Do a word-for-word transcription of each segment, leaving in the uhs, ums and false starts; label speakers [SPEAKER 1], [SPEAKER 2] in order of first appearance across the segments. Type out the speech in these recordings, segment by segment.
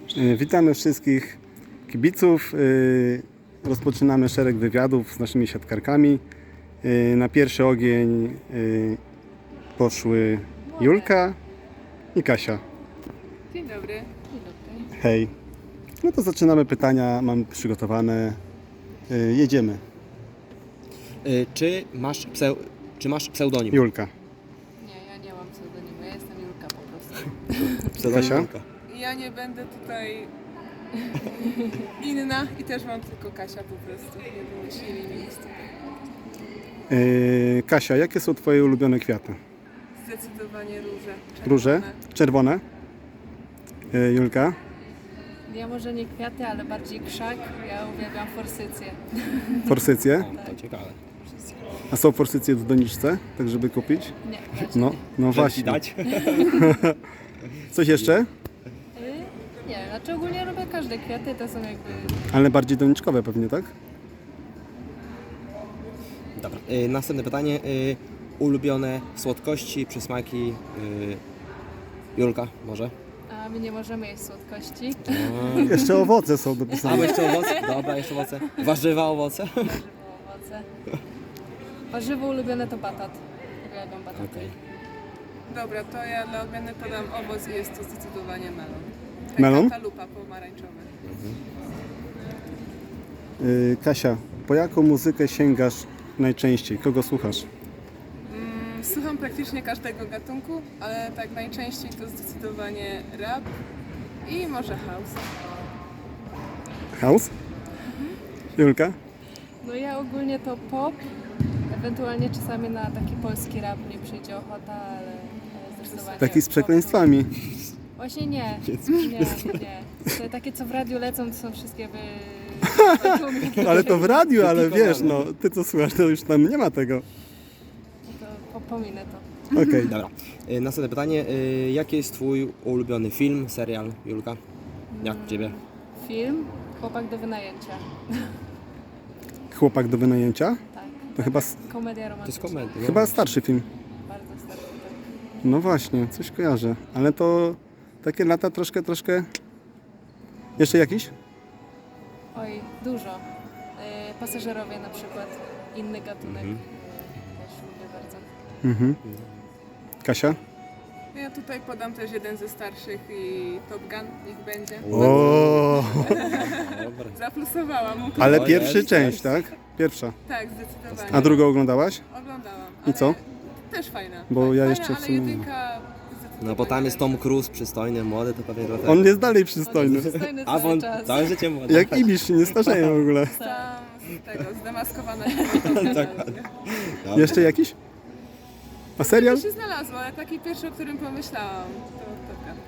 [SPEAKER 1] Witamy wszystkich kibiców. Rozpoczynamy szereg wywiadów z naszymi siatkarkami. Na pierwszy ogień poszły Julka i Kasia.
[SPEAKER 2] Dzień dobry. Dzień
[SPEAKER 1] dobry. Hej. No to zaczynamy pytania, mam przygotowane. Jedziemy.
[SPEAKER 3] Czy masz, pseu, czy masz pseudonim?
[SPEAKER 1] Julka.
[SPEAKER 2] Nie, ja nie mam pseudonimu, ja jestem Julka po prostu.
[SPEAKER 3] Pseudonim
[SPEAKER 1] Kasia?
[SPEAKER 3] Julka.
[SPEAKER 4] Ja nie będę tutaj inna i też mam tylko Kasia po prostu. Nie wymyślili mi nic.
[SPEAKER 1] Yy, Kasia, jakie są Twoje ulubione kwiaty?
[SPEAKER 4] Zdecydowanie róże. Czerwone.
[SPEAKER 1] Róże? Czerwone? Yy, Julka?
[SPEAKER 2] Ja może nie kwiaty, ale bardziej krzak. Ja uwielbiam forsycję.
[SPEAKER 1] Forsycje?
[SPEAKER 3] To ciekawe.
[SPEAKER 1] A są forsycje w doniczce, tak żeby kupić?
[SPEAKER 2] Nie,
[SPEAKER 1] No, no właśnie.
[SPEAKER 3] Dać?
[SPEAKER 1] Coś jeszcze?
[SPEAKER 2] Yy, nie, znaczy ogólnie lubię każde kwiaty, to są jakby...
[SPEAKER 1] Ale bardziej doniczkowe pewnie, tak?
[SPEAKER 3] Dobra. Y, następne pytanie. Y, ulubione słodkości, przysmaki. Y, Julka, może?
[SPEAKER 2] A my nie możemy jeść słodkości.
[SPEAKER 1] Jeszcze owoce są
[SPEAKER 3] A
[SPEAKER 1] dopisane.
[SPEAKER 3] jeszcze owoce? Dobra, jeszcze owoce. Warzywa, owoce?
[SPEAKER 2] Warzywo, owoce. Warzywo ulubione to batat. Uwielbiam bataty.
[SPEAKER 3] Okej.
[SPEAKER 4] Dobra, to ja dla odmiany podam owoc i jest to zdecydowanie melon.
[SPEAKER 1] Melon?
[SPEAKER 4] Kantalupa pomarańczowa.
[SPEAKER 1] Yy, Kasia, po jaką muzykę sięgasz najczęściej? Kogo słuchasz?
[SPEAKER 4] Mm, słucham praktycznie każdego gatunku, ale tak najczęściej to zdecydowanie rap i może house.
[SPEAKER 1] House? Julka?
[SPEAKER 2] No ja ogólnie to pop. Ewentualnie czasami na taki polski rap nie przyjdzie ochota, ale, ale zdecydowanie...
[SPEAKER 1] Taki z
[SPEAKER 2] pop.
[SPEAKER 1] przekleństwami.
[SPEAKER 2] Właśnie nie, nie, nie. Te takie co w radiu lecą to są wszystkie wy...
[SPEAKER 1] Ale to w radiu, ale wiesz, no, ty co słuchasz, to już tam nie ma tego.
[SPEAKER 2] To po, pominę to.
[SPEAKER 1] Okej.
[SPEAKER 3] Dobra. Y, następne pytanie. Y, jaki jest Twój ulubiony film, serial, Julka? Jak u Ciebie?
[SPEAKER 2] Film Chłopak do wynajęcia.
[SPEAKER 1] Chłopak do wynajęcia?
[SPEAKER 2] Tak.
[SPEAKER 1] To chyba, s-
[SPEAKER 2] Komedia
[SPEAKER 3] To jest
[SPEAKER 2] romantyczna.
[SPEAKER 3] komedia.
[SPEAKER 1] chyba starszy film.
[SPEAKER 2] Bardzo starszy. Tak.
[SPEAKER 1] No właśnie, coś kojarzę. Ale to takie lata troszkę, troszkę... Jeszcze jakiś?
[SPEAKER 2] Oj, dużo. Yy, pasażerowie na przykład. Inny gatunek.
[SPEAKER 3] Mhm.
[SPEAKER 2] Też lubię bardzo.
[SPEAKER 1] Mhm. Kasia?
[SPEAKER 4] Ja tutaj podam też jeden ze starszych i Top Gun, niech będzie.
[SPEAKER 1] O,
[SPEAKER 3] Dobra.
[SPEAKER 4] Zaplusowałam mu.
[SPEAKER 1] ale
[SPEAKER 3] O,
[SPEAKER 1] pierwszy
[SPEAKER 3] jest,
[SPEAKER 1] część,
[SPEAKER 3] jest.
[SPEAKER 1] tak? Pierwsza.
[SPEAKER 4] Tak, zdecydowanie.
[SPEAKER 1] A drugą oglądałaś?
[SPEAKER 4] Oglądałam.
[SPEAKER 1] I co?
[SPEAKER 4] ale Też fajna.
[SPEAKER 1] Bo
[SPEAKER 4] tak,
[SPEAKER 1] ja
[SPEAKER 4] fajna,
[SPEAKER 1] jeszcze w
[SPEAKER 4] ale
[SPEAKER 1] sumie nie.
[SPEAKER 4] jedynka
[SPEAKER 3] No bo tam jest Tom Cruise, przystojny, młody, to pewnie dlatego.
[SPEAKER 1] On jest dalej
[SPEAKER 2] On
[SPEAKER 1] przystojny.
[SPEAKER 2] jest przystojny
[SPEAKER 3] A
[SPEAKER 2] cały
[SPEAKER 3] on
[SPEAKER 2] czas.
[SPEAKER 3] całe życie młody.
[SPEAKER 1] Jak Ibisz się nie starzeje w ogóle.
[SPEAKER 4] Tam z tego, zdemaskowana.
[SPEAKER 3] Dobra.
[SPEAKER 1] Jeszcze jakiś? A serial?
[SPEAKER 4] To się znalazło, ale taki pierwszy, o którym pomyślałam. To Top Gun.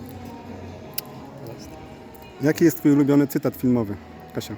[SPEAKER 1] Jaki jest Twój ulubiony cytat filmowy? Kasia.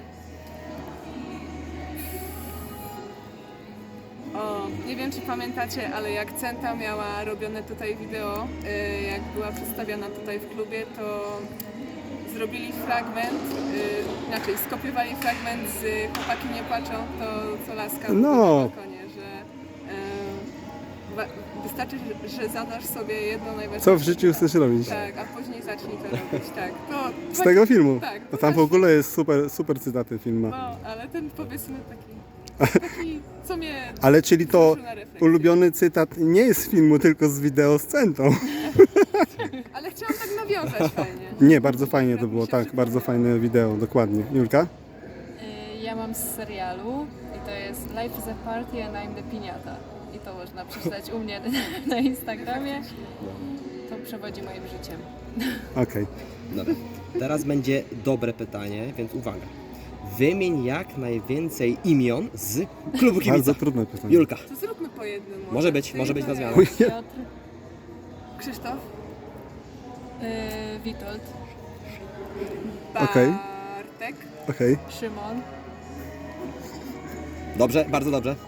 [SPEAKER 4] O, nie wiem czy pamiętacie, ale jak Centa miała robione tutaj wideo, y, jak była przedstawiana tutaj w klubie, to zrobili fragment, y, inaczej skopiowali fragment z Chłopaki nie płaczą, to co laska mówi
[SPEAKER 1] No.
[SPEAKER 4] na balkonie, że y, wa- wystarczy, że- że zadasz sobie jedno najważniejsze.
[SPEAKER 1] Co w życiu chcesz robić?
[SPEAKER 4] Tak, a później zacznij to robić, tak. To,
[SPEAKER 1] Z tego filmu?
[SPEAKER 4] Tak.
[SPEAKER 1] A tam w ogóle jest super, super cytaty filmu.
[SPEAKER 4] No, ale ten powiedzmy taki, taki co mnie...
[SPEAKER 1] Ale czyli to
[SPEAKER 4] wzruszył na refleksję.
[SPEAKER 1] ulubiony cytat nie jest z filmu, tylko z wideo z Centą.
[SPEAKER 4] Ale chciałam tak nawiązać fajnie.
[SPEAKER 1] Nie, bardzo fajnie to
[SPEAKER 4] Tak mi
[SPEAKER 1] było,
[SPEAKER 4] się
[SPEAKER 1] tak,
[SPEAKER 4] przypomniało.
[SPEAKER 1] bardzo fajne wideo, dokładnie. Julka?
[SPEAKER 2] Yy, Ja mam z serialu i to jest Life is a Party and I'm the Piniata. I to można przeczytać u mnie na Instagramie. To przewodzi moim życiem.
[SPEAKER 1] Okej.
[SPEAKER 3] Dobra. Teraz będzie dobre pytanie, więc uwaga. Wymień jak najwięcej imion z klubu kibica.
[SPEAKER 1] Bardzo trudne pytanie.
[SPEAKER 3] Julka.
[SPEAKER 4] To zróbmy po jednym.
[SPEAKER 3] Może być,
[SPEAKER 4] Ty
[SPEAKER 3] może
[SPEAKER 4] i
[SPEAKER 3] być
[SPEAKER 4] to ja.
[SPEAKER 3] nazwiane.
[SPEAKER 2] Piotr,
[SPEAKER 4] Krzysztof.
[SPEAKER 2] yy, Witold,
[SPEAKER 1] Okej.
[SPEAKER 4] Bartek.
[SPEAKER 1] Okej.
[SPEAKER 2] Szymon,
[SPEAKER 3] Dobrze, bardzo dobrze.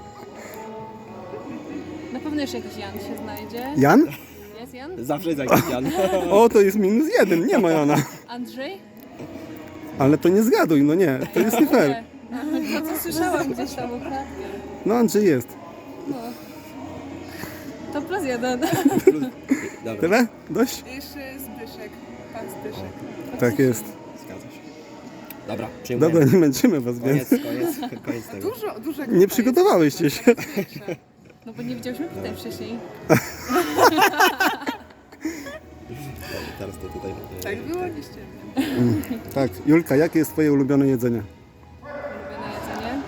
[SPEAKER 2] na pewno jeszcze jakiś Jan się znajdzie.
[SPEAKER 1] Jan?
[SPEAKER 2] Jest Jan?
[SPEAKER 3] Zawsze jest jakiś Jan.
[SPEAKER 1] O, to jest minus jeden, nie ma Jana.
[SPEAKER 2] Andrzej?
[SPEAKER 1] Ale to nie zgaduj, no nie, to jest nie fair.
[SPEAKER 2] To co słyszałam gdzieś tam ukradkiem.
[SPEAKER 1] No Andrzej jest.
[SPEAKER 2] No. To plus jeden.
[SPEAKER 3] Dobra.
[SPEAKER 1] Tyle? Dość?
[SPEAKER 4] Jeszcze Zbyszek. Pastyszek.
[SPEAKER 1] Tak jest.
[SPEAKER 3] Zgadza się. Dobra, przyjmujemy.
[SPEAKER 1] Dobra, nie męczymy was
[SPEAKER 3] Koniec,
[SPEAKER 1] więcej.
[SPEAKER 3] koniec, koniec tego.
[SPEAKER 4] Dużo, dużo
[SPEAKER 1] Nie przygotowałyście się.
[SPEAKER 2] No bo nie widziałyśmy pytań wcześniej.
[SPEAKER 3] Teraz to tutaj. e,
[SPEAKER 4] Tak było, nie ściemniam.
[SPEAKER 1] Tak, Julka, jakie jest twoje ulubione jedzenie?
[SPEAKER 2] Ulubione jedzenie?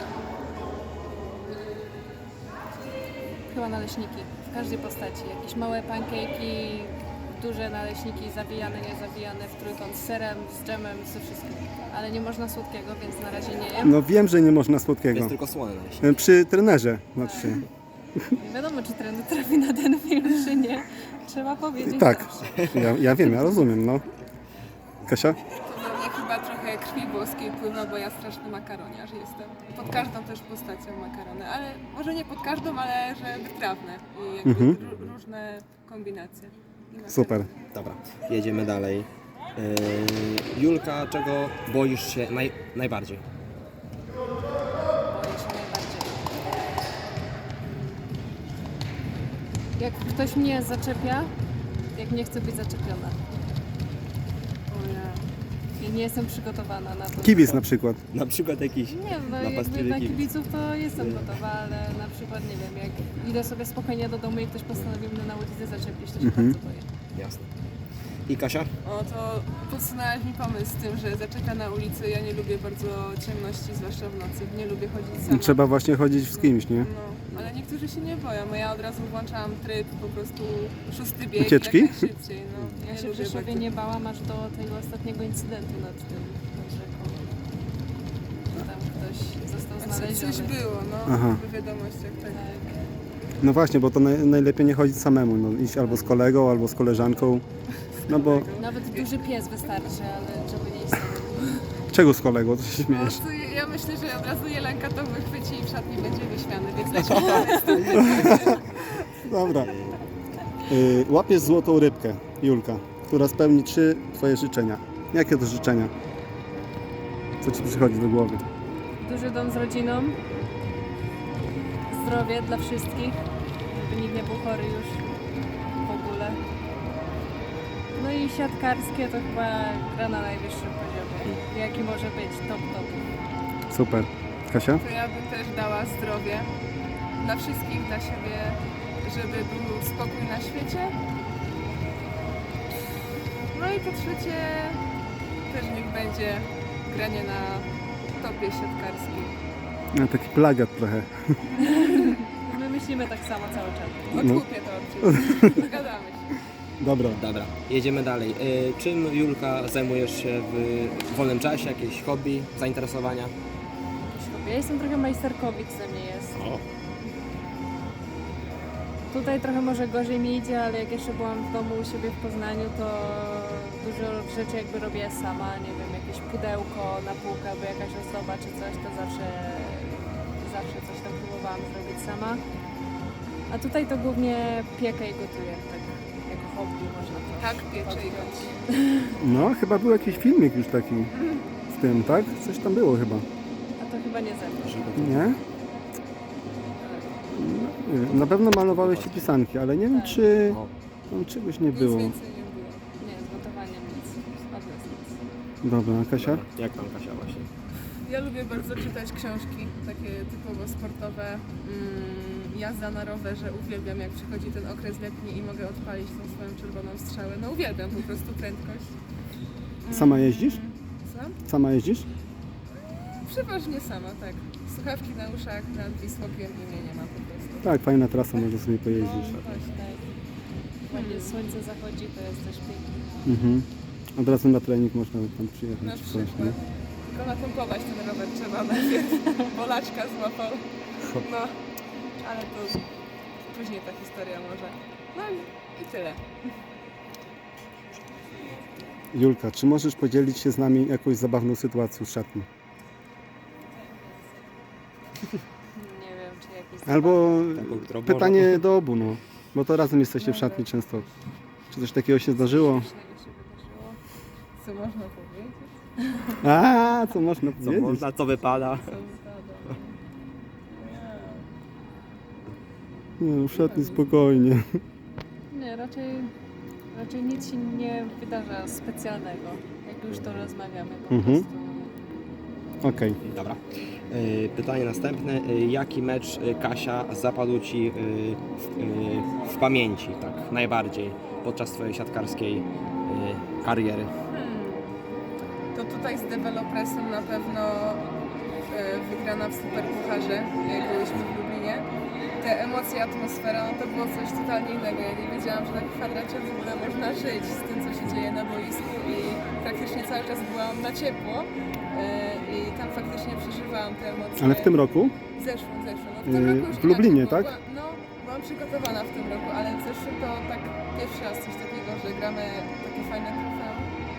[SPEAKER 2] Chyba naleśniki. W każdej postaci. Jakieś małe pankejki, duże naleśniki, zawijane, niezawijane, w trójkąt z serem, z dżemem, ze wszystkim. Ale nie można słodkiego, więc na razie nie jem.
[SPEAKER 1] No wiem, że nie można
[SPEAKER 3] To
[SPEAKER 1] słodkiego.
[SPEAKER 3] jest tylko słone naleśniki.
[SPEAKER 1] Przy trenerze, znaczy się.
[SPEAKER 2] Nie wiadomo, czy trener trafi na ten film, czy nie. Trzeba powiedzieć
[SPEAKER 1] Tak,
[SPEAKER 2] zawsze.
[SPEAKER 1] ja, ja wiem, ja rozumiem, no. Kasia?
[SPEAKER 4] To we mnie chyba trochę krwi włoskiej pływa, bo ja straszny makaroniarz jestem. Pod każdą też postacią makarony, ale może nie pod każdą, ale że wytrawne i jakby
[SPEAKER 1] Mhm.
[SPEAKER 4] ró- różne kombinacje. I makarony.
[SPEAKER 1] Super.
[SPEAKER 3] Dobra, jedziemy dalej. Yy, Julka, czego boisz się naj, najbardziej?
[SPEAKER 2] Boję się najbardziej. Jak ktoś mnie zaczepia, jak nie chcę być zaczepiona.
[SPEAKER 4] O ja.
[SPEAKER 2] I nie jestem przygotowana na to.
[SPEAKER 1] Kibic na przykład.
[SPEAKER 3] Na przykład jakiś
[SPEAKER 2] Nie wiem, no
[SPEAKER 3] napastliwy
[SPEAKER 2] jakby na
[SPEAKER 3] kibic.
[SPEAKER 2] kibiców to jestem gotowa, ale na przykład nie wiem, jak idę sobie spokojnie do domu i ktoś postanowi mnie na ulicy zaczepić, to się
[SPEAKER 1] Mhm.
[SPEAKER 2] bardzo boję.
[SPEAKER 3] Jasne. I Kasia?
[SPEAKER 4] O, to podsunęłaś mi pomysł z tym, że zaczeka na ulicy. Ja nie lubię bardzo ciemności, zwłaszcza w nocy. Nie lubię chodzić sama.
[SPEAKER 1] Trzeba właśnie chodzić z kimś, nie?
[SPEAKER 4] No, ale niektórzy się nie boją. No ja od razu włączałam tryb, po prostu szósty bieg.
[SPEAKER 1] Ucieczki?
[SPEAKER 4] Jak najszybciej. No,
[SPEAKER 2] Ja
[SPEAKER 4] nie
[SPEAKER 2] się w
[SPEAKER 4] lubię
[SPEAKER 2] Rzeszowie
[SPEAKER 4] bardzo.
[SPEAKER 2] nie bałam aż do tego ostatniego incydentu nad tym, nad rzeką. Że tam ktoś został
[SPEAKER 4] A co-
[SPEAKER 2] znaleziony.
[SPEAKER 4] Coś było, no,
[SPEAKER 1] Aha.
[SPEAKER 4] w wiadomościach. Tak.
[SPEAKER 2] Tak.
[SPEAKER 1] No właśnie, bo to naj, najlepiej nie chodzić samemu, no, iść albo z kolegą, albo z koleżanką. No bo
[SPEAKER 2] Nawet duży pies wystarczy, ale żeby nie iść samemu.
[SPEAKER 1] czego z kolegą, to się
[SPEAKER 4] Po
[SPEAKER 1] śmiejesz?
[SPEAKER 4] prostu ja myślę, że od razu Jelenka to wychwyci i w szatni będzie wyśmiany, więc lecimy dalej.
[SPEAKER 1] Dobra. Y, łapiesz złotą rybkę, Julka, która spełni trzy twoje życzenia. Jakie to życzenia? Co ci przychodzi do głowy?
[SPEAKER 2] Duży dom z rodziną, zdrowie dla wszystkich, żeby nikt nie był chory już w ogóle. No i siatkarskie to chyba gra na najwyższym poziomie, jaki może być, top top.
[SPEAKER 1] Super. Kasia?
[SPEAKER 4] To ja bym też dała zdrowie dla wszystkich, dla siebie, żeby był spokój na świecie. No i po trzecie też niech będzie granie na topie siatkarskim.
[SPEAKER 1] No, taki plagiat trochę.
[SPEAKER 2] My myślimy tak samo cały czas.
[SPEAKER 1] No.
[SPEAKER 4] Odkupię to od ciebie. Dogadamy się.
[SPEAKER 1] Dobra.
[SPEAKER 3] Dobra, jedziemy dalej. Yy, czym, Julka, zajmujesz się w wolnym czasie? Jakieś hobby, zainteresowania?
[SPEAKER 2] Ja jestem trochę majsterkowic ze mnie jest.
[SPEAKER 3] O.
[SPEAKER 2] Tutaj trochę może gorzej mi idzie, ale jak jeszcze byłam w domu u siebie w Poznaniu, to dużo rzeczy jakby robię sama, nie wiem, jakieś pudełko na półkę albo jakaś ozdoba czy coś, to zawsze, zawsze coś tam próbowałam zrobić sama. A tutaj to głównie piekę i gotuję, tak jako hobby można to
[SPEAKER 4] Tak, piecze i
[SPEAKER 2] odjąć.
[SPEAKER 1] No, chyba był jakiś filmik już taki z tym, tak? Coś tam było chyba.
[SPEAKER 2] A to chyba nie ze mną.
[SPEAKER 1] Nie? No, nie wiem. Na pewno malowałeś ci pisanki, ale nie wiem,
[SPEAKER 2] Tak.
[SPEAKER 1] czy
[SPEAKER 3] O.
[SPEAKER 1] tam czegoś nie
[SPEAKER 4] nic
[SPEAKER 1] było.
[SPEAKER 4] więcej nie było.
[SPEAKER 2] Nie, z gotowaniem nic, od nas nic.
[SPEAKER 1] Dobra, a Kasia?
[SPEAKER 3] Jak tam, Kasia, właśnie?
[SPEAKER 4] Ja lubię bardzo czytać książki, takie typowo sportowe. Mm, jazda na rowerze, uwielbiam jak przychodzi ten okres letni i mogę odpalić tą swoją czerwoną strzałę. No uwielbiam po prostu prędkość.
[SPEAKER 1] Sama jeździsz?
[SPEAKER 4] Co?
[SPEAKER 1] Sama jeździsz?
[SPEAKER 4] Przeważnie sama, tak. Słuchawki na uszach, nad Wisłokiem i mnie nie ma po prostu.
[SPEAKER 1] Tak, fajna trasa, może sobie
[SPEAKER 2] No
[SPEAKER 1] pojeździć.
[SPEAKER 2] właśnie, tak. Ładnie słońce zachodzi, to jest też pięknie.
[SPEAKER 1] Mhm. Od razu na trening można tam przyjechać.
[SPEAKER 4] Na
[SPEAKER 1] czy coś,
[SPEAKER 4] przykład.
[SPEAKER 1] nie?
[SPEAKER 4] Tylko napompować ten rower trzeba najpierw. Bolaczka złapał. No, ale to później ta historia może. No i, i tyle.
[SPEAKER 1] Julka, czy możesz podzielić się z nami jakąś zabawną sytuacją z szatni?
[SPEAKER 2] Nie wiem, czy jakiś
[SPEAKER 1] Albo
[SPEAKER 3] Taką, którą
[SPEAKER 1] pytanie do obu, no. Bo to razem jesteście w szatni często. Czy coś takiego się zdarzyło?
[SPEAKER 2] śmiesznego się wydarzyło.
[SPEAKER 4] Co można powiedzieć?
[SPEAKER 1] A, co można
[SPEAKER 3] Co
[SPEAKER 1] powiedzieć?
[SPEAKER 3] można, co wypada?
[SPEAKER 4] Co wypada?
[SPEAKER 1] Nie, w szatni spokojnie.
[SPEAKER 2] Nie, raczej, Raczej nic się nie wydarza specjalnego, jak już to rozmawiamy po
[SPEAKER 1] Mhm.
[SPEAKER 2] prostu.
[SPEAKER 1] Okej.
[SPEAKER 3] Dobra. Y, Pytanie następne. Y, Jaki mecz, y, Kasia, zapadł Ci y, w, y, w pamięci tak najbardziej podczas Twojej siatkarskiej y, kariery?
[SPEAKER 4] Hmm. To tutaj z Developresem na pewno e, wygrana w Superpucharze, jak byliśmy w Lublinie. Te emocje, atmosfera, no to było coś totalnie innego. Ja nie wiedziałam, że na kwadracie w ogóle można żyć z tym, co się dzieje na boisku i praktycznie cały czas byłam na ciepło e, i tam faktycznie przeżywałam te emocje.
[SPEAKER 1] Ale w tym roku?
[SPEAKER 4] W zeszłym, w zeszłym. No w tym
[SPEAKER 1] Yy,
[SPEAKER 4] roku już
[SPEAKER 1] w Lublinie,
[SPEAKER 4] inaczej, bo
[SPEAKER 1] tak?
[SPEAKER 4] była- No, byłam przygotowana w tym roku, ale w zeszłym to tak pierwszy raz coś takiego, że gramy takie fajne trofeum.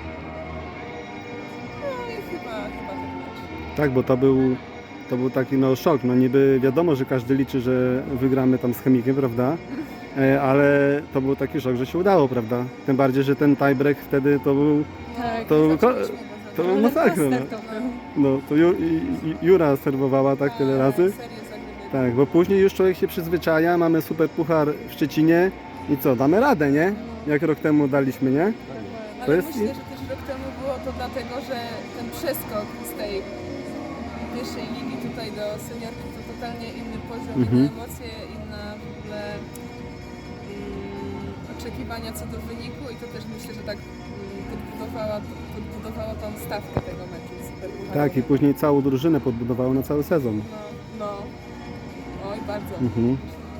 [SPEAKER 4] No i chyba, chyba ten mecz.
[SPEAKER 1] Tak, bo to był, to był taki no, szok. No niby wiadomo, że każdy liczy, że wygramy tam z Chemikiem, prawda? E, ale to był taki szok, że się udało, prawda? Tym bardziej, że ten tiebreak wtedy to był,
[SPEAKER 2] Tak,
[SPEAKER 1] to,
[SPEAKER 4] Zaczęliśmy
[SPEAKER 1] ko-
[SPEAKER 4] go
[SPEAKER 1] to
[SPEAKER 4] zagrać.
[SPEAKER 1] był masakra. No,
[SPEAKER 2] to był.
[SPEAKER 1] no to Ju, i- i- Jura serwowała tak tyle razy.
[SPEAKER 4] Serio zagrywali.
[SPEAKER 1] Tak, bo później już człowiek się przyzwyczaja, mamy super puchar w Szczecinie i co, damy radę, nie? Jak rok temu daliśmy, nie?
[SPEAKER 4] Ale
[SPEAKER 1] To jest-
[SPEAKER 4] myślę, że też rok temu było to dlatego, że ten przeskok z tej pierwszej ligi tutaj do seniorki to totalnie inny poziom,
[SPEAKER 1] Mhm.
[SPEAKER 4] inne emocje, inna w ogóle mm, oczekiwania co do wyniku i to też myślę, że tak mm, podbudowała, podbudowało tą stawkę tego meczu superpucharowego.
[SPEAKER 1] Tak, i później całą drużynę podbudowało na cały sezon.
[SPEAKER 4] No, no. Oj, bardzo.
[SPEAKER 1] Mhm.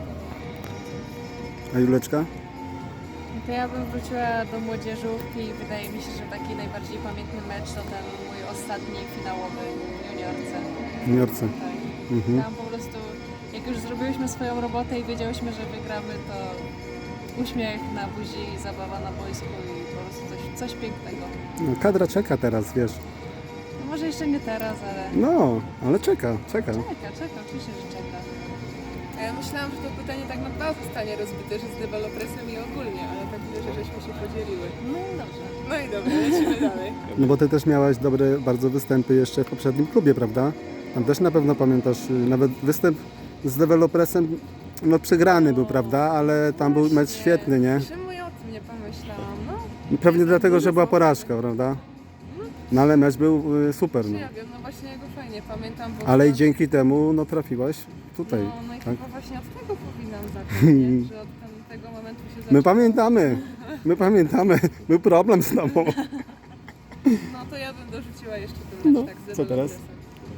[SPEAKER 1] A Juleczka?
[SPEAKER 2] To ja bym wróciła do młodzieżówki i wydaje mi się, że taki najbardziej pamiętny mecz to ten mój ostatni finałowy w juniorce.
[SPEAKER 1] W Juniorce.
[SPEAKER 2] Tak.
[SPEAKER 1] Mhm.
[SPEAKER 2] Tam po prostu, jak już zrobiłyśmy swoją robotę i wiedziałyśmy, że wygramy, to uśmiech na buzi, zabawa na boisku i po prostu coś, coś pięknego.
[SPEAKER 1] No, kadra czeka teraz, wiesz.
[SPEAKER 2] No może jeszcze nie teraz, ale
[SPEAKER 1] No, ale czeka, czeka.
[SPEAKER 2] czeka, czeka, oczywiście, że czeka.
[SPEAKER 4] A ja myślałam, że to pytanie tak na dwa zostanie rozbite, że z dewelopresem i ogólnie, ale tak widzę, że żeśmy się podzieliły.
[SPEAKER 2] No i dobrze.
[SPEAKER 4] No i dobra, lecimy dalej.
[SPEAKER 1] No bo ty też miałaś dobre bardzo występy jeszcze w poprzednim klubie, prawda? Tam też na pewno pamiętasz, y, nawet występ z dewelopresem, no przegrany był, prawda? Ale tam był mecz świetny, nie?
[SPEAKER 4] Czemu ja o tym nie pomyślałam? No,
[SPEAKER 1] Pewnie dlatego, że była porażka, prawda? No ale mecz był y, super,
[SPEAKER 4] czy
[SPEAKER 1] no.
[SPEAKER 4] ja wiem, no właśnie ja go fajnie pamiętam, bo...
[SPEAKER 1] Ale i dzięki temu, no trafiłaś tutaj.
[SPEAKER 4] No, no i
[SPEAKER 1] tak?
[SPEAKER 4] chyba właśnie od tego powinnam zacząć, nie? Że od tam, tego momentu się zaczęło.
[SPEAKER 1] My pamiętamy, my pamiętamy, był problem z tobą.
[SPEAKER 4] No to ja bym dorzuciła jeszcze ten mecz,
[SPEAKER 1] No,
[SPEAKER 4] tak, z
[SPEAKER 1] co teraz?
[SPEAKER 4] dewelopresem.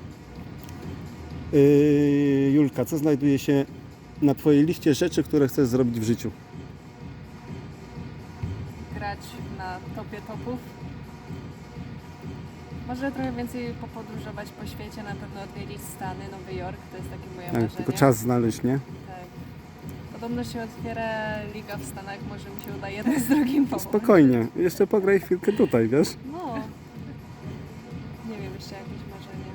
[SPEAKER 1] Yy, Julka, co znajduje się na twojej liście rzeczy, które chcesz zrobić w życiu?
[SPEAKER 2] Grać na topie topów. Może trochę więcej popodróżować po świecie, na pewno odwiedzić Stany, Nowy Jork, to jest takie moje
[SPEAKER 1] Tak,
[SPEAKER 2] marzenie.
[SPEAKER 1] tylko czas znaleźć, nie?
[SPEAKER 2] Tak. Podobno się otwiera liga w Stanach, może mi się uda jeden z drugim połączyć.
[SPEAKER 1] Spokojnie, jeszcze pograj chwilkę tutaj, wiesz?
[SPEAKER 2] No. Nie wiem, jeszcze jakieś marzenie.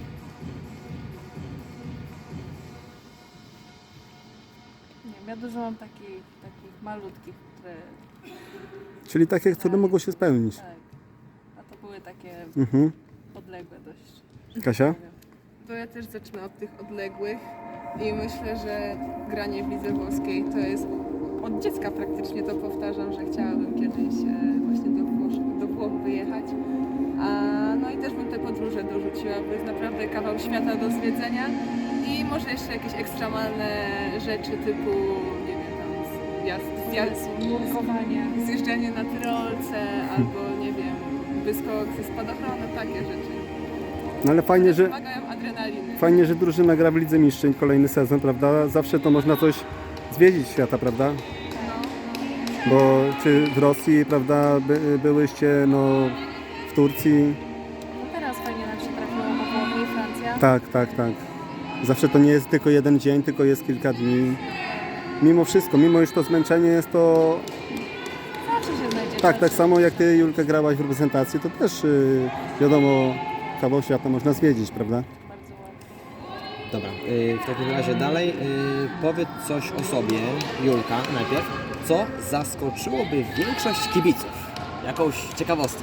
[SPEAKER 2] Nie wiem, ja dużo mam takich, takich malutkich, które...
[SPEAKER 1] Czyli takie, które mogą się spełnić.
[SPEAKER 2] Tak. A to były takie
[SPEAKER 1] Mhm.
[SPEAKER 2] odległe dość.
[SPEAKER 1] Kasia?
[SPEAKER 4] To ja też zacznę od tych odległych i myślę, że granie w lidze włoskiej to jest... Od dziecka praktycznie to powtarzam, że chciałabym kiedyś e, właśnie do Włoch, do Włoch wyjechać. A, no i też bym te podróże dorzuciła, bo jest naprawdę kawał świata do zwiedzenia i może jeszcze jakieś ekstremalne rzeczy typu, nie wiem, tam zjazd, zjazd,
[SPEAKER 2] Nurkowanie.
[SPEAKER 4] zjeżdżanie na tyrolce albo nie wiem, wyskok ze spadochronu, takie rzeczy.
[SPEAKER 1] No ale fajnie, że,
[SPEAKER 4] Wymagają adrenaliny.
[SPEAKER 1] fajnie, że drużyna gra w Lidze Mistrzeń kolejny sezon, prawda? Zawsze to można coś zwiedzić świata, prawda?
[SPEAKER 4] No,
[SPEAKER 1] Bo czy w Rosji, prawda, by, byłyście, no w Turcji?
[SPEAKER 2] No teraz fajnie nam się trafiło, bo Włochy i Francja.
[SPEAKER 1] Tak, tak, tak. Zawsze to nie jest tylko jeden dzień, tylko jest kilka dni. Mimo wszystko, mimo iż to zmęczenie jest to...
[SPEAKER 2] Zawsze się znajdzie
[SPEAKER 1] Tak,
[SPEAKER 2] czas.
[SPEAKER 1] tak samo jak ty, Julka, grałaś w reprezentacji, to też yy, wiadomo, kawał świata można zwiedzić, prawda?
[SPEAKER 2] Bardzo ładnie.
[SPEAKER 3] Dobra, y, w takim razie dalej y, powiedz coś o sobie, Julka, najpierw. Co zaskoczyłoby większość kibiców? Jakąś ciekawostkę.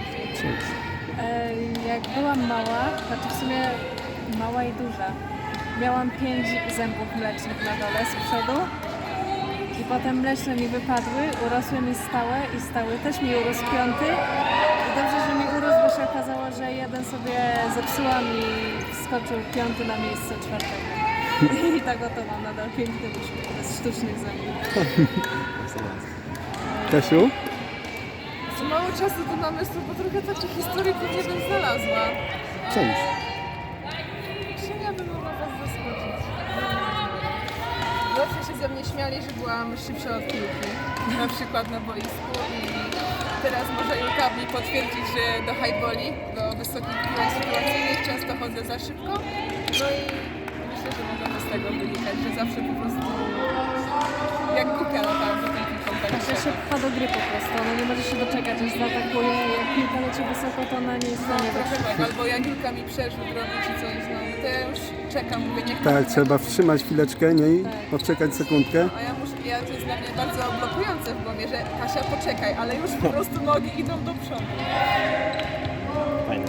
[SPEAKER 2] E, Jak byłam mała, znaczy w sumie mała i duża, miałam pięć zębów mlecznych na dole z przodu. I potem mleczne mi wypadły, urosły mi stałe i stały też mi urósł piąty. I dobrze, że mi urósł, bo się okazało, że jeden sobie zepsułam i wskoczył piąty na miejsce czwartego. I tak oto mam nadal piękny uśmiech bez sztucznych zębów.
[SPEAKER 1] Kasiu?
[SPEAKER 4] Za mało czasu do namysłu, bo trochę takich historii pewnie bym znalazła.
[SPEAKER 1] Cześć.
[SPEAKER 4] Czym ja bym mogła was zaskoczyć? Zawsze się ze mnie śmiali, że byłam szybsza od piłki, na przykład na boisku i teraz może Julka mi potwierdzić, że do highballi, do wysokich piłek sytuacyjnych często chodzę za szybko. No i myślę, że możemy z tego wynikać, że zawsze po prostu jak głupia latałam za tą piłką. tak
[SPEAKER 2] Znaczy się pcha do gry po prostu, ona nie może się doczekać, aż zaatakuje. Jak piłka leci wysoko, to ona nie jest w stanie
[SPEAKER 4] Trochę
[SPEAKER 2] wytrzymać.
[SPEAKER 4] tak, albo jak Julka mi przerzut robi czy coś, no to ja już czekam, mówię niech
[SPEAKER 1] Tak, trzeba wstrzymać chwileczkę, nie? I
[SPEAKER 2] Tak.
[SPEAKER 1] odczekać sekundkę.
[SPEAKER 4] A ja muszę, ja to jest dla mnie bardzo blokujące w głowie, że Kasia poczekaj, ale już po prostu nogi idą do przodu.
[SPEAKER 3] Fajne.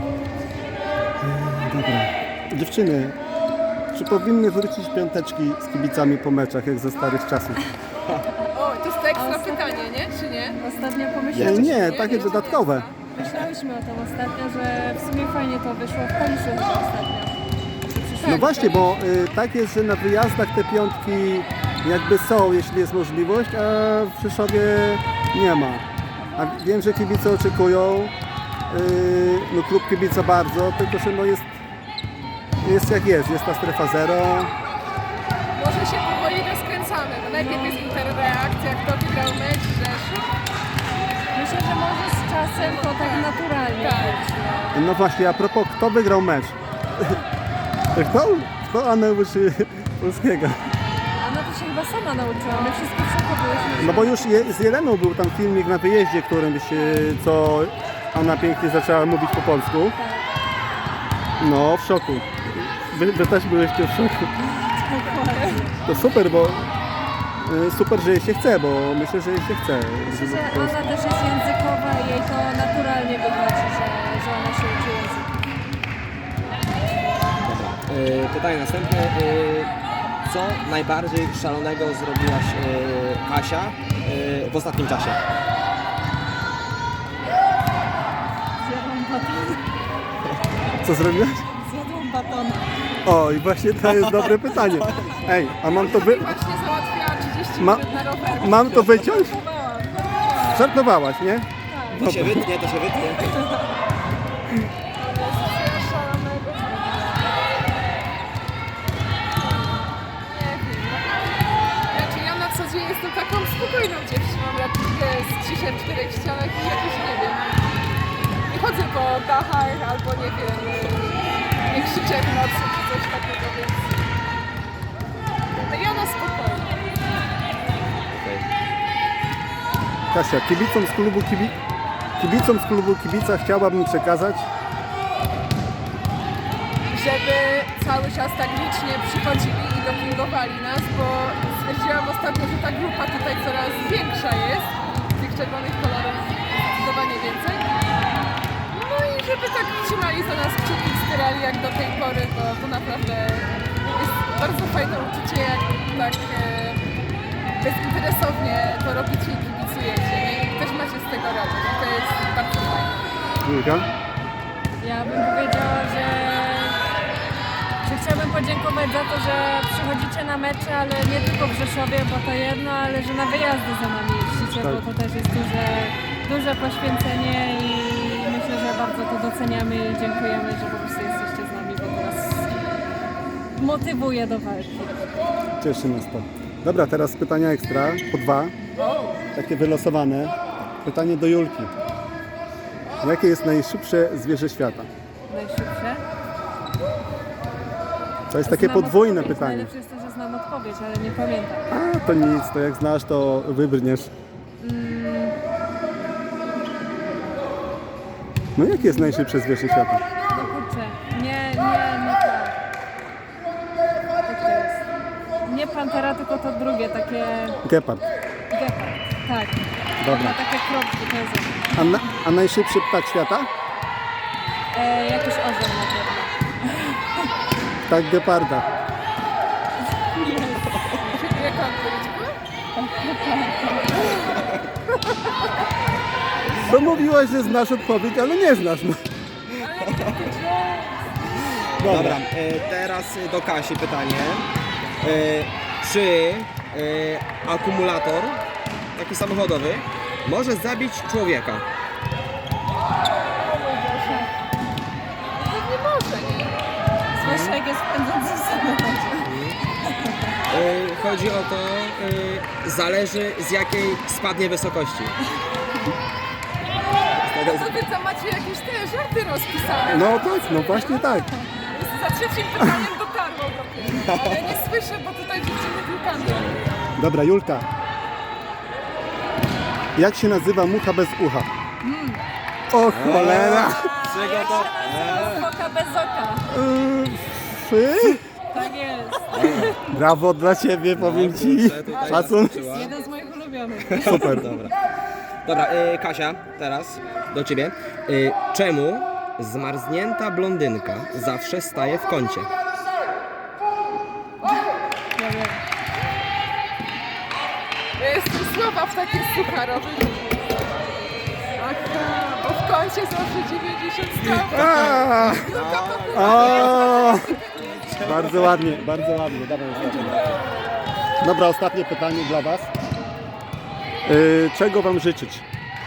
[SPEAKER 1] Dobra. Dziewczyny, czy powinny wrócić piąteczki z kibicami po meczach, jak ze starych czasów?
[SPEAKER 4] O, to jest ekstra
[SPEAKER 2] ostatnio-
[SPEAKER 4] pytanie, nie? Czy nie?
[SPEAKER 2] Ostatnio
[SPEAKER 1] Nie,
[SPEAKER 2] pomyślałyśmy,
[SPEAKER 1] nie, takie dodatkowe.
[SPEAKER 2] myślałyśmy o tym ostatnio, że w sumie fajnie to wyszło w Kaliszu chyba ostatnio.
[SPEAKER 1] No właśnie, bo y, tak jest, że na wyjazdach te piątki jakby są, jeśli jest możliwość, a w Rzeszowie nie ma. A wiem, że kibice oczekują, y, no klub kibica bardzo, tylko że no jest, jest jak jest, jest ta strefa zero.
[SPEAKER 4] Może się powoli rozkręcamy, bo najpierw jest interreakcja, kto wygrał mecz, Rzeszów.
[SPEAKER 2] Myślę, że może z czasem to tak naturalnie
[SPEAKER 4] Tak.
[SPEAKER 2] być.
[SPEAKER 1] No właśnie, a propos, kto wygrał mecz? Kto? Kto Anę uczy polskiego?
[SPEAKER 2] Ona to się chyba sama nauczyła, my wszystkie w szoku byłyśmy.
[SPEAKER 1] No bo już je, z Jeleną był tam filmik na wyjeździe, którym się, co Anna pięknie zaczęła mówić po polsku. No, w szoku. Wy, wy też byłyście w szoku. To super, bo y, super, że jej się chce, bo myślę, że jej się chce.
[SPEAKER 2] Myślę,
[SPEAKER 1] żeby
[SPEAKER 2] że
[SPEAKER 1] po prostu-
[SPEAKER 2] ona też jest językowa i jej to naturalnie wychodzi, że, że ona się uczy języka.
[SPEAKER 3] Dobra. Y, pytanie następne. Y, co najbardziej szalonego zrobiłaś y, Kasia y, w ostatnim czasie?
[SPEAKER 2] Zjadłam batona.
[SPEAKER 1] Co zrobiłaś?
[SPEAKER 2] Zjadłam batona.
[SPEAKER 1] O, i właśnie to jest dobre pytanie. Ej, a mam to wy...
[SPEAKER 4] Właśnie załatwiała trzydzieści
[SPEAKER 1] Ma-
[SPEAKER 4] minut na rower.
[SPEAKER 1] Mam to wyciąć?
[SPEAKER 2] Próbowałam.
[SPEAKER 1] Żartowałaś, nie?
[SPEAKER 3] To się wytnie, to się wytnie.
[SPEAKER 4] Szalonego. Nie wiem. Znaczy ja na co dzień jestem taką spokojną dziewczyną, raczej z ciszem w czterech ścianach i jakoś nie wiem. Nie chodzę po dachach albo nie wiem, nie krzyczę w nocy czy coś takiego, więc no ja na spokojnie.
[SPEAKER 3] Okej.
[SPEAKER 1] Kasia, kibicom z klubu kibi... kibicom z klubu kibica chciałabym przekazać,
[SPEAKER 4] Żeby cały czas tak licznie przychodzili i dopingowali nas, bo stwierdziłam ostatnio, że ta grupa tutaj coraz większa jest, tych czerwonych kolorów zdecydowanie więcej. No i żeby tak trzymali za nas kciuki, wspierali jak do tej pory, bo to naprawdę jest bardzo fajne uczucie, jak tak e, bezinteresownie to robicie i kibicujecie, nie? I też macie z tego radość. To jest bardzo fajne.
[SPEAKER 1] Julka.
[SPEAKER 2] Ja bym powiedziała, że, że chciałabym podziękować za to, że przychodzicie na mecze, ale nie tylko w Rzeszowie, bo to jedno, ale że na wyjazdy za nami jeździcie,
[SPEAKER 1] Tak.
[SPEAKER 2] bo to też jest duże, duże poświęcenie i myślę, że bardzo to doceniamy i dziękujemy, że po prostu jesteście z nami, bo to nas motywuje do walki.
[SPEAKER 1] Cieszy nas to. Dobra, teraz pytania ekstra, po dwa, takie wylosowane. Pytanie do Julki. Jakie jest najszybsze zwierzę świata?
[SPEAKER 2] Najszybsze.
[SPEAKER 1] To jest takie
[SPEAKER 2] Znam
[SPEAKER 1] podwójne
[SPEAKER 2] odpowiedź.
[SPEAKER 1] pytanie.
[SPEAKER 2] Najlepsze jest to, że znam odpowiedź, ale nie pamiętam.
[SPEAKER 1] A, to nic, to jak znasz, to wybrniesz. No jakie jest najszybsze zwierzę świata?
[SPEAKER 2] No kurczę, nie, nie, nie tak. Jak to jest? Nie pantera, tylko to drugie, takie
[SPEAKER 1] Gepard.
[SPEAKER 2] gepard. Tak.
[SPEAKER 1] Dobra.
[SPEAKER 2] Ma takie kropki, to jest
[SPEAKER 1] A, na, a najszybszy ptak świata?
[SPEAKER 2] e, jakiś orzeł na pewno.
[SPEAKER 1] Ptak geparda.
[SPEAKER 4] taka odpowiedź?
[SPEAKER 1] No mówiłaś, że znasz odpowiedź, ale nie znasz. No.
[SPEAKER 3] Dobra, e, teraz do Kasi pytanie. E, czy e, akumulator, taki samochodowy, może zabić człowieka?
[SPEAKER 4] Nie może, nie?
[SPEAKER 2] Zwłaszcza jak jest pędzący w samochodzie.
[SPEAKER 3] E, chodzi o to, e, zależy z jakiej spadnie wysokości.
[SPEAKER 4] To wy tam macie jakieś te żarty rozpisane.
[SPEAKER 1] No tak, no właśnie tak.
[SPEAKER 4] Za trzecim pytaniem dotarło dopiero. Ale nie słyszę, bo tutaj dziewczyny piłkami.
[SPEAKER 1] Dobra, Julka. Jak się nazywa mucha bez ucha? O cholera!
[SPEAKER 3] Czego to?
[SPEAKER 2] Oka bez oka.
[SPEAKER 1] Yy, Fy?
[SPEAKER 2] Tak jest.
[SPEAKER 1] Brawo dla ciebie, powiem ci.
[SPEAKER 3] kurczę, tutaj
[SPEAKER 1] Szacun.
[SPEAKER 3] zaskoczyła.
[SPEAKER 2] Jeden z moich ulubionych.
[SPEAKER 1] Super.
[SPEAKER 3] Dobra. Dobra, e, Kasia, teraz do ciebie. E, czemu zmarznięta blondynka zawsze staje w kącie?
[SPEAKER 2] Ja wiem.
[SPEAKER 4] Ja jestem słaba w takich sucharowych. Aha, bo w kącie zawsze dziewięćdziesiąt stopni.
[SPEAKER 1] A, a, bardzo ładnie, bardzo ładnie. Dawaj, ostatnie. Dobra, ostatnie pytanie dla was. Yy, czego wam życzyć?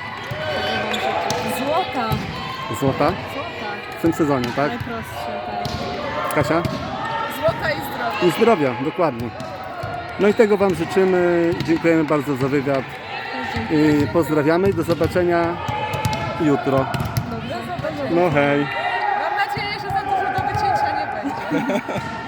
[SPEAKER 2] Złota.
[SPEAKER 1] Złota?
[SPEAKER 2] Złota.
[SPEAKER 1] W tym sezonie, tak?
[SPEAKER 2] Najprostsze, tak.
[SPEAKER 1] Kasia?
[SPEAKER 4] Złota i zdrowie.
[SPEAKER 1] I zdrowia, dokładnie. No i tego wam życzymy. Dziękujemy bardzo za wywiad.
[SPEAKER 2] Też dziękuję.
[SPEAKER 1] Yy, pozdrawiamy i do zobaczenia jutro.
[SPEAKER 2] Dobrze, zobaczymy.
[SPEAKER 1] No hej.
[SPEAKER 4] Mam nadzieję, że za dużo do wycięcia nie będzie.